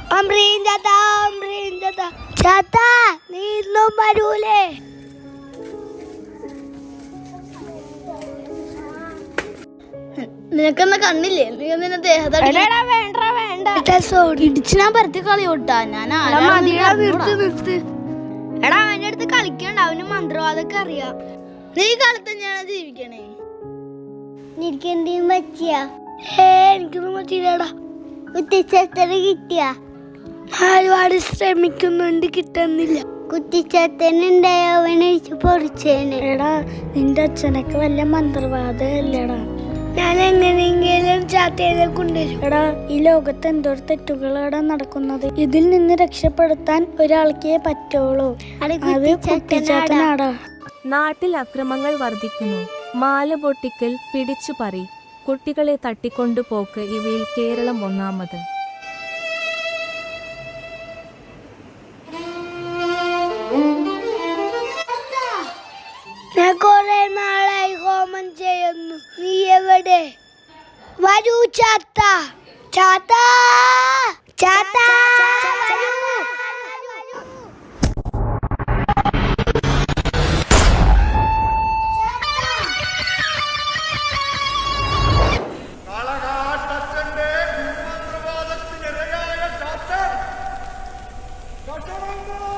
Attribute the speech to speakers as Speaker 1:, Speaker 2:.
Speaker 1: ചാത്ത നീ ഇന്നും വരൂലേ?
Speaker 2: നിനക്കെന്നാ കണ്ണില്ലേ? നീ നിന്നെ ദേഹത്ത് ഇടിച്ച് ഞാൻ പരത്തി കളിയോട്ടാ. ഞാൻ എടാ അവന്റെ അടുത്ത് കളിക്കണ്ട, അവന് മന്ത്രവാദമൊക്കെ അറിയാം. നീ കാലത്ത് തന്നെയാണ് ജീവിക്കണേ.
Speaker 1: എനിക്കെന്തെങ്കിലും പറ്റിയാ?
Speaker 2: എനിക്കൊന്നും പറ്റിയില്ലടാ.
Speaker 1: കുത്തിച്ചത്തന് കിട്ടിയാ?
Speaker 2: ഒരുപാട് ശ്രമിക്കുന്നുണ്ട്, കിട്ടുന്നില്ല.
Speaker 1: കുത്തിച്ചത്തനുണ്ടായ അവനെ പൊറിച്ചേനെ.
Speaker 2: എടാ നിന്റെ അച്ഛനൊക്കെ വല്ല മന്ത്രവാദമല്ലേടാ. ഞാൻ എങ്ങനെയെങ്കിലും ചാത്തേനെ കൊണ്ടുവരും. എടാ ഈ ലോകത്ത് എന്തോരം തെറ്റുകളാണ് നടക്കുന്നത്. ഇതിൽ നിന്ന് രക്ഷപ്പെടുത്താൻ ഒരാൾക്കേ പറ്റുള്ളൂ. അത് കുട്ടിച്ചാത്തനാടാ.
Speaker 3: നാട്ടിൽ അക്രമങ്ങൾ വർദ്ധിക്കുന്നു. മാല പൊട്ടിക്കൽ, പിടിച്ചുപറി, കുട്ടികളെ തട്ടിക്കൊണ്ടുപോക്ക് ഇവയിൽ കേരളം ഒന്നാമത്.
Speaker 1: ഞാൻ കുറെ നാളായി ഹോമം ചെയ്യുന്നു. നീ എവിടെ? വരൂ ചാത്ത, ചാത്ത, ചാത്ത.
Speaker 4: ായ